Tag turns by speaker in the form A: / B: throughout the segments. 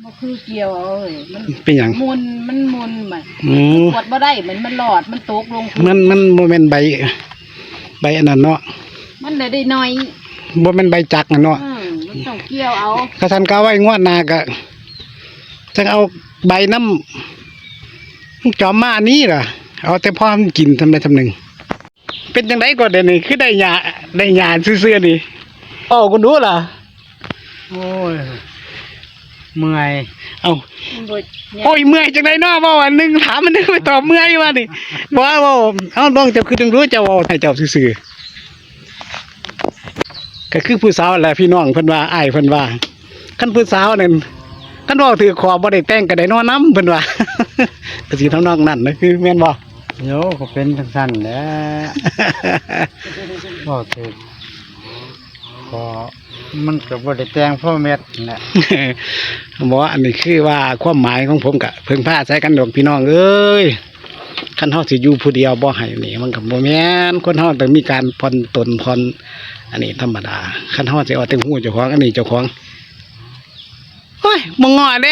A: บ่คือเกี่ยวเอาเอ้ยมัน
B: เป็นหยัง
A: มันมุนมันกดบ่ได้เหมือนมันหลอดมันตกลง
B: มันบ่แม่นใบอันนั้นเนาะ
A: มันได้น้อย
B: บ่แม่นใบจักน่ะเนาะ
A: มันต้องเกี่ยวเอา
B: ถ้าท่านก็ไว้งวดหน้าก็จังเอาใบน้ำจอมมานี้ล่ะเอาแต่พอมันกินทำได้ทำหนึ่งเป็นจังได๋ก็ได้นี่คือได้หญ้าซื่อๆนี่อ้อคุณดูล่ะ
C: โอ้ยเมื่อย
B: เอาโอ้ยเมื่อยจังได๋เนาะเว้าอันนึงถามมันนึงไปตอบเมื่อยว่านี่บ่ว่าเอ้าน้องเจ้าคือจังรู้เจ้าเว้าให้เจ้าซื่อๆก็คือผู้สาวแหละพี่น้องเพิ่นว่าอ้ายเพิ่นว่าคันผู้สาวนั่นคันเว้าถือขอบ่ได้แต่งก็ได้นอนนำเพิ่นว่าก็สิทำนองนั้นนะคือแม่นบ่
C: โยก็เป็นจังซั่นแหละบ่ถูกก็มันก็บ่ได้แต่งพ่อเม็ดแหละ
B: บ่อันนี้คือว่าความหมายของผมก็เพิ่งพาใส่กันดอกพี่น้องเอ้ยคันเฮาสิอยู่ผู้เดียวบ่ให้นี่มันก็บ่แม่นคนเฮาต้องมีการผ่อนตนผ่อนอันนี้ธรรมดาคันเฮาสิเอาแต่ฮู้เจ้าของอันนี้เจ้าของโอ้ยบ่ง้อเด้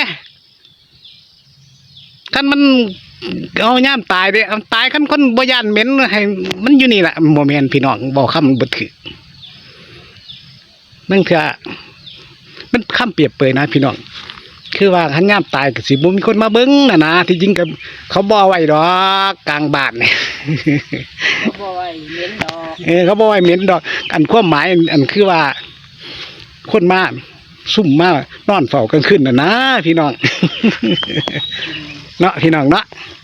B: คันมันเอาย่ามตายเด้ตายคันคนบ่ย่านเหม็นให้มันอยู่นี่ล่ะบ่แม่นพี่น้องบ่คำบ่ถือนั่นคือมันคำเปรียบเปรยนะพี่น้องคือว่าคันย่ามตายก็สิบ่มีคนมาเบิ่งน่ะนะที่จริงก็เขาบ่ไว้ดอกกลางบ้านนี่
A: เขาบ่ไว้เหม็นดอก
B: เขาบ่ไว้เหม็นดอกอันความหมายอันคือว่าคนมาซุ่มมานอนเฝ้ากลางคืนน่ะนะพี่น้องเนาะพี่น้องเนาะ